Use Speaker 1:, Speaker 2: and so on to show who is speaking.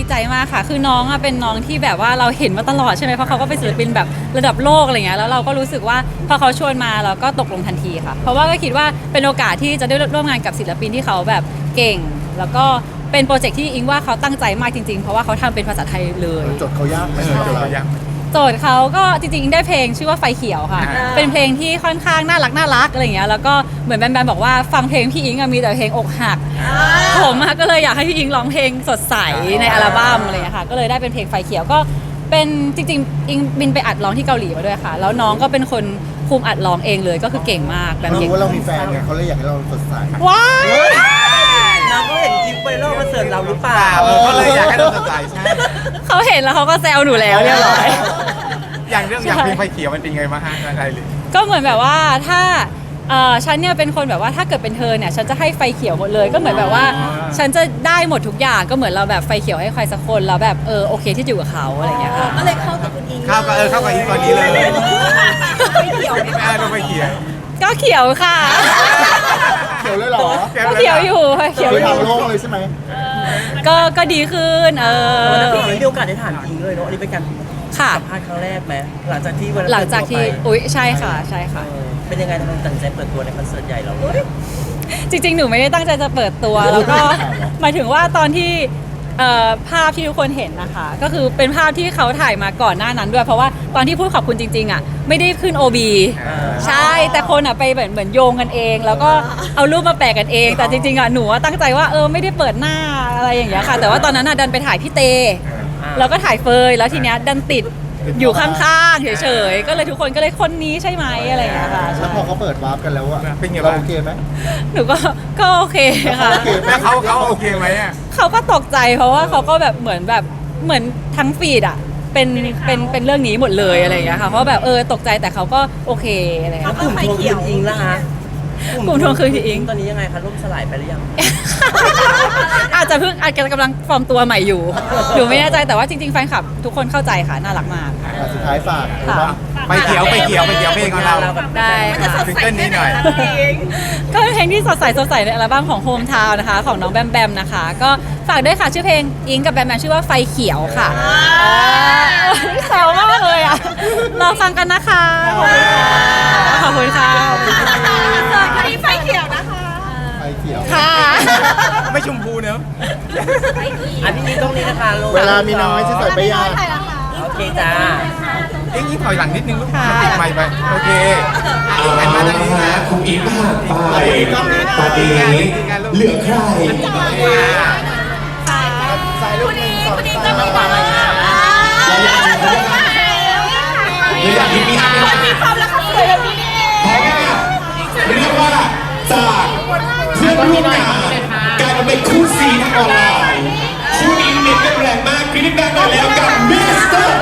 Speaker 1: ใจมากค่ะคือน้องเป็นน้องที่แบบว่าเราเห็นมาตลอดใช่ไหมเพราะเขาก็เป็นศิลปินแบบระดับโลกอะไรเงี้ยแล้วเราก็รู้สึกว่าพอเขาชวนมาเราก็ตกลงทันทีค่ะเพราะว่าก็คิดว่าเป็นโอกาสที่จะได้ร่วมงานกับศิลปินที่เขาแบบเก่งแล้วก็เป็นโปรเจกต์ที่อิงว่าเขาตั้งใจมากจริงๆเพราะว่าเขาทำเป็นภาษาไทยเลย
Speaker 2: จดเขายากไหมจดเขายาก
Speaker 1: โจทย์เขาก็จริงๆได้เพลงชื่อว่าไฟเขียวค่ะเป็นเพลงที่ค่อนข้างน่ารักอะไรเงี้ยแล้วก็เหมือนแบมบอกว่าฟังเพลงพี่อิงมีแต่เพลงอกหักผมก็เลยอยากให้พี่อิงร้องเพลงสดใสในอัลบั้มอะไรเงี้ยค่ะก็เลยได้เป็นเพลงไฟเขียวก็เป็นจริงๆอิงบินไปอัดร้องที่เกาหลีมาด้วยค่ะแล้วน้องก็เป็นคนคุมอัดร้องเองเลยก็คือเก่งมากแบบ
Speaker 2: เรา
Speaker 1: เก่ง
Speaker 2: รู้ว่าเรามีแฟนไงเขาเลยอยากให้เราสดใส
Speaker 1: ว้าย
Speaker 3: น้องก็เห็นคลิปไวรัลมาเสิร์ฟเราหรือเปล่า
Speaker 4: ก็เลยอยากให้เราสดใสใช่
Speaker 1: เขาเห็นแล้วเขาก็แซวหนูแล้วเรียบร้อย
Speaker 4: อย่างเพลงไฟเขียวมันเป็นไงมาฮะอะไรเลย
Speaker 1: ก็เหมือนแบบว่าถ้าฉันเนี่ยเป็นคนแบบว่าถ้าเกิดเป็นเธอเนี่ยฉันจะให้ไฟเขียวหมดเลยก็เหมือนแบบว่าฉันจะได้หมดทุกอย่างก็เหมือนเราแบบไฟเขียวให้ใครสักคนแล้วแบบโอเคที่อยู่กับเขาอะไรอย่างเงี้ยค่ะ
Speaker 5: ก็เลยเข้ากับคุณอิง
Speaker 4: เข้ากับอีกตอนนี้เลย
Speaker 5: ไม่เกี่ยว
Speaker 4: ก็ไฟเขียว
Speaker 1: ก็เขียวค่ะ
Speaker 2: เขียวเลยเหรอ
Speaker 1: ก็เขียวอยู่เขียวอยู่
Speaker 2: ทางโลกเลยใช่ไหม
Speaker 1: ก็ดีขึ้น
Speaker 3: ไม่มีโอกาสได้ถามอิงเลยเนาะอันนี้เป็นการ
Speaker 1: ค่ะ
Speaker 3: สัมภาษณ์ครั้งแรกไหมหลังจากที่
Speaker 1: อุ๊ยใช่ค่ะใช่ค่ะ
Speaker 3: เป็นยังไงทำไมตัดสินใจเปิดตัวในคอนเสิร์ตใหญ่เรา
Speaker 1: จริงๆหนูไม่ได้ตั้งใจจะเปิดตัวแล้วก็หมายถึงว่าตอนที่ภาพที่ทุกคนเห็นนะคะก็คือเป็นภาพที่เขาถ่ายมาก่อนหน้านั้นด้วยเพราะว่าตอนที่พูดขอบคุณจริงๆไม่ได้ขึ้น OB ใช่แต่คนไปเหมือนโยงกันเองแล้วก็เอารูปมาแปะกันเองแต่จริงๆหนูตั้งใจว่าไม่ได้เปิดหน้าอะไรอย่างเงี้ยค่ะแต่ว่าตอนนั้นดันไปถ่ายพี่เตแล้วก็ถ่ายเฟยแล้วทีเนี้ยดันติดอยู่ข้างๆเฉยๆก็เลยทุกคนก็เลยคนนี้ใช่ไหมอะไรอย่างเงี้ยค่ะ
Speaker 2: แล้วพอเขาเปิดวาร์ปกันแล้วอะ
Speaker 4: เป็นไง
Speaker 2: เรา
Speaker 4: บ้าง
Speaker 2: โอเคไหม
Speaker 1: หนูก็โอเคค่ะ
Speaker 4: แล้วเขาโอเคไหมอ่ะ
Speaker 1: เขาก็ตกใจเพราะว่าเขาก็แบบเหมือนทั้งฟีดเป็นเรื่องนี้หมดเลยอะไรอย่างเงี้ยค่ะเพราะแบบตกใจแต่เขาก็โอเคอะไรอย่างเงี้ย
Speaker 3: กลุ่มทวงคืนอิงละฮะ
Speaker 1: กลุ่มทวงคืนอิง
Speaker 3: ตอนนี้ยังไงคะล่มสลายไปหรือยัง
Speaker 1: อาจจะกำลังฟอร์มตัวใหม่อยู่หนูไม่แน่ใจแต่ว่าจริงๆแฟนคลับทุกคนเข้าใจค่ะน่ารักมาก
Speaker 2: สุดท้ายฝาก
Speaker 4: ไฟเขียวเพลงของเรา
Speaker 1: ได้
Speaker 4: ซิงเกิลนี้หน่อย
Speaker 1: ก็เป็นเพลงที่สดใสในอัลบั้มของ Home Town นะคะของน้องแบมนะคะก็ฝากด้วยค่ะชื่อเพลงอิงกับแบมชื่อว่าไฟเขียวค่ะแซวมากเลยอ่ะรอฟังกันนะคะขอบคุณค่ะ
Speaker 5: อันนี้ไฟเขียวนะคะ
Speaker 2: ไฟเขียว
Speaker 1: ค่ะ
Speaker 4: ไม่ชมพูเนอะ
Speaker 3: อันนี้ตรงนี้นะคะ
Speaker 2: เวลามีน้อยจะใส่ไปยา
Speaker 3: โอเคจ้า
Speaker 4: ยิ่งถอยหลังนิดนึงลูกมันติดไมค์ไปโอเคอันมาตรงนี้นะ
Speaker 6: คุณอิงผ่านไปตอนนี้เหลือใคร
Speaker 2: ใส่ลูกหนึ่งสองสาม
Speaker 6: อยากมี
Speaker 5: ความรักสวยแบบนี้
Speaker 6: เรียกว่าจากเพื่อนร่วมงานกลายมาเป็นคู่ซีทางออนไลน์คู่นี้เน็ตกันแรงมากคลิปแรกมาแล้วกับมิสเตอร์